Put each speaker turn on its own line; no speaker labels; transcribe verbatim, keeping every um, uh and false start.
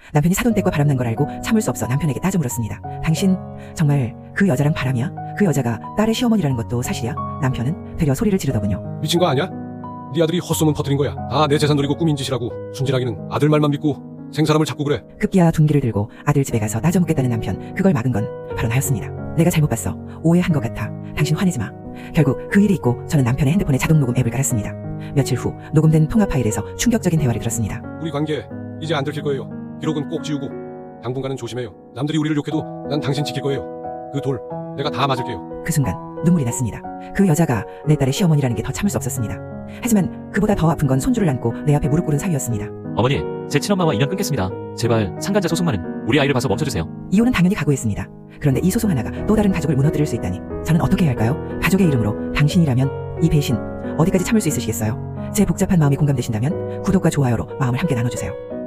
남편이 사돈댁과 바람난 걸 알고 참을 수 없어 남편에게 따져 물었습니다. 당신 정말 그 여자랑 바람이야? 그 여자가 딸의 시어머니라는 것도 사실이야? 남편은 되려 소리를 지르더군요.
미친 거 아니야? 네 아들이 헛소문 퍼뜨린 거야. 다 내 재산 노리고 꾸민 짓이라고. 순진하기는 아들 말만 믿고 생사람을 잡고 그래.
급기야 둔기를 들고 아들 집에 가서 따져 묻겠다는 남편, 그걸 막은 건 바로 나였습니다. 내가 잘못 봤어. 오해한 것 같아. 당신 화내지 마. 결국 그 일이 있고 저는 남편의 핸드폰에 자동 녹음 앱을 깔았습니다. 며칠 후 녹음된 통화 파일에서 충격적인 대화를 들었습니다.
우리 관계 이제 안 들킬 거예요. 기록은 꼭 지우고 당분간은 조심해요. 남들이 우리를 욕해도 난 당신 지킬 거예요. 그 돌 내가 다 맞을게요.
그 순간 눈물이 났습니다. 그 여자가 내 딸의 시어머니라는 게 더 참을 수 없었습니다. 하지만 그보다 더 아픈 건 손주를 안고 내 앞에 무릎 꿇은 사위였습니다.
어머니, 제 친엄마와 인연 끊겠습니다. 제발 상간자 소송만은 우리 아이를 봐서 멈춰주세요.
이혼은 당연히 각오했습니다. 그런데 이 소송 하나가 또 다른 가족을 무너뜨릴 수 있다니 저는 어떻게 해야 할까요? 가족의 이름으로 당신이라면 이 배신 어디까지 참을 수 있으시겠어요? 제 복잡한 마음이 공감되신다면 구독과 좋아요로 마음을 함께 나눠주세요.